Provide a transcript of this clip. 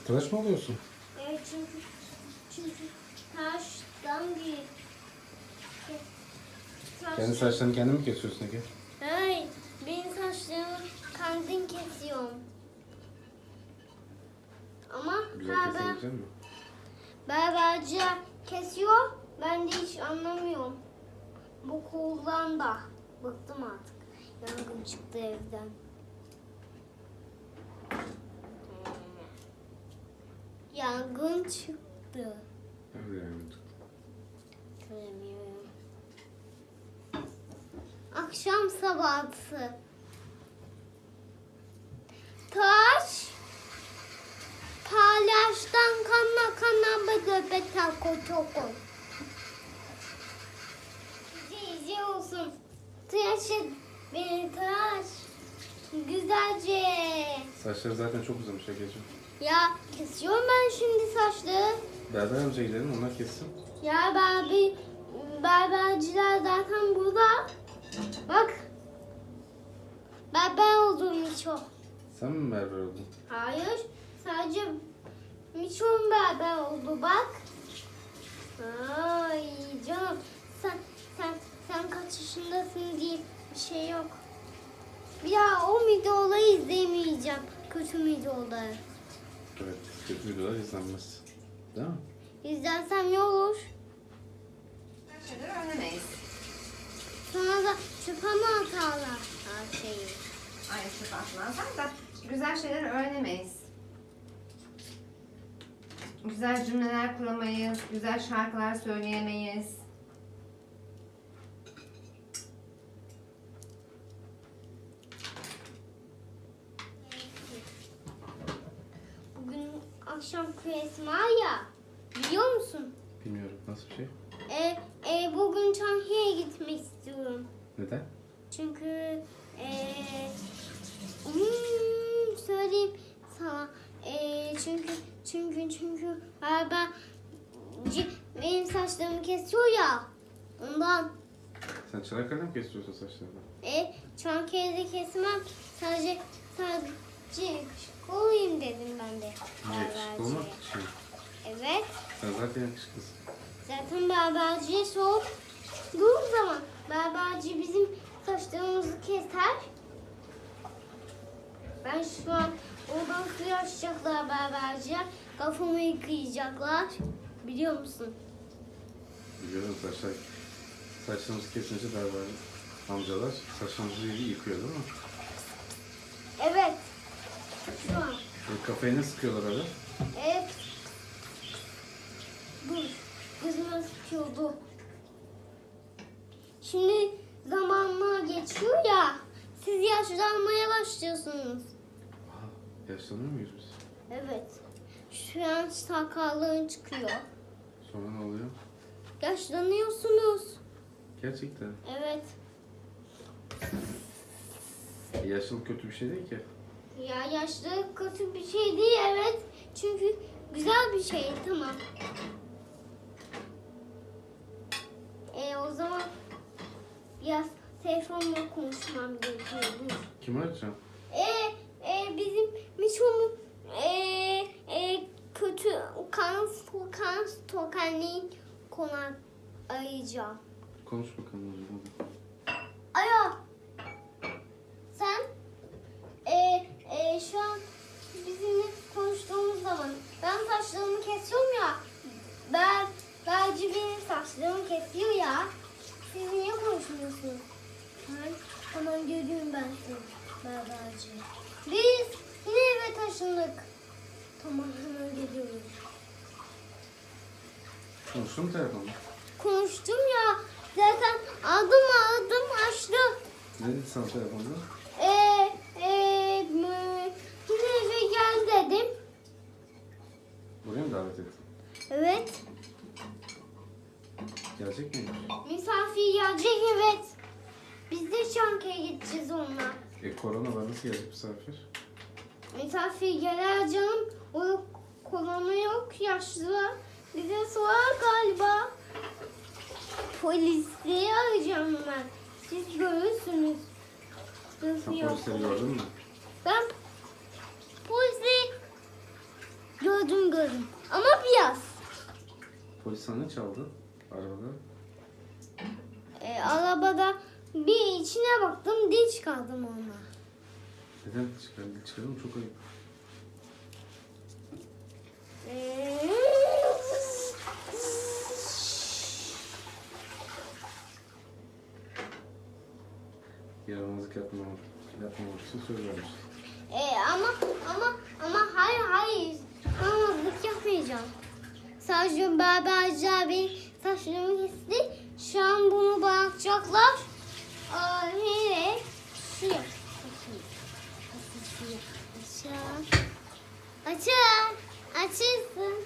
Tıraş mı oluyorsun? Evet çünkü taştan bir Kendi saçlarını kendin mi kesiyorsun Ege? Hayır, benim saçlarımı kendim kesiyorum. Ama Güzel kesebilecek misin? berberci kesiyor, ben de hiç anlamıyorum. Bu koldan da bıktım artık. Yangın çıktı evden. Yangın çıktı. Öyle yani. Göremiyorum. Akşam sabahı. Taş palyaçtan kana betal koçoko. İyice olsun. Tıraş et beni tıraş. Güzelce. Saçları zaten çok uzamış Ege'ciğim. Ya kesiyorum ben şimdi saçları. Berber amcaya gidelim, onlar kessin. Ya berberciler zaten burada. Bak. Berber oldum Miço. Sen mi berber oldun? Hayır. Sadece Miço'nun berber oldu bak. Ay canım. Sen kaç yaşındasın diye bir şey yok. Bir daha o videoları izlemeyeceğim. Kötü videoları. Evet, kötü videolar izlenmez. Değil mi? İzlersem ne olur? Her şeyleri öğrenemeyiz. Sonra da çöpe mi atarlar her şeyi? Aynı çöp atmazlar da güzel şeyler öğrenemeyiz. Güzel cümleler kuramayız, güzel şarkılar söyleyemeyiz. Bugün akşam kuyası var ya, biliyor musun? Bilmiyorum, nasıl bir şey? Bugün Çankaya'ya gitmek istiyorum. Neden? Çünkü söyleyeyim sana. Çünkü benim saçlarımı kesiyor ya. Ondan Sen Çanakkale'de mi kesiyorsun saçlarını? Çankaya'da kesmem. Sadece yakışıklı olayım dedim ben de. Yakışıklı olmak için. Evet. Sen zaten yakışıklısın. Zaten berberciye sorduğum zaman berberci bizim saçlarımızı keser. Ben şu an oradan suyu açacaklar berberciye. Kafamı yıkayacaklar. Biliyor musun? Biliyorum, saçlarımızı kesince berber amcalar saçlarımızı yıkıyor değil mi? Evet. Şu an. Kafayı ne sıkıyorlar öyle? Evet. Dur. Gözüme sıkıyordu. Şimdi zamanla geçiyor ya. Siz yaşlanmaya başlıyorsunuz. Aa, yaşlanıyor muyuz biz? Evet. Şu an sakallığın çıkıyor. Sonra ne oluyor? Yaşlanıyorsunuz. Gerçekten. Evet. Yaşlılık kötü bir şey değil ki. Ya yaşlılık kötü bir şey değil evet. Çünkü güzel bir şey tamam. O zaman biraz telefonla konuşmam gerekiyor. Dur. Kim arayacağım? Bizim Miço'nun kötü kan stokanliğin konak arayacağım. Konuş bakalım o zaman. Alo. Sen şu an bizimle konuştuğumuz zaman ben saçlarımı kesiyorum ya. Belki benim saçlarımı kesiyor ya. Siz niye konuşmuyorsunuz? Hemen görüyorum ben seni berberci. Biz yine eve taşındık. Tamam hemen geliyorum. Konuştun mu telefonla? Konuştum ya. Zaten adım açtı. Ne dedi sana telefonda? Yine eve gel dedim. Buraya mı davet ettin? Evet. Gelecek miymiş? Misafir gelecek evet. Biz de Çankaya gideceğiz onunla. Korona var, nasıl gelecek misafir? Misafir gelir canım. O korona yok yaşlı. Bize sorar galiba. Polisi arayacağım ben. Siz görürsünüz. Sen polisleri gördün mü? Ben polisi gördüm. Ama biraz. Polis sana ne çaldı? Arabada. Arabada bir içine baktım, dil çıkardım ona. Neden çıkardın? Çıkardın mı? Çok ayıp. Yaramazlık yapmamak için söz vermiştim. Ama hayır. Yaramazlık yapmayacağım. Sadece berberci abi saçlarımı kesti. Şu an bunu bırakacaklar. Nereye? Şuraya. Açın. Açılsın.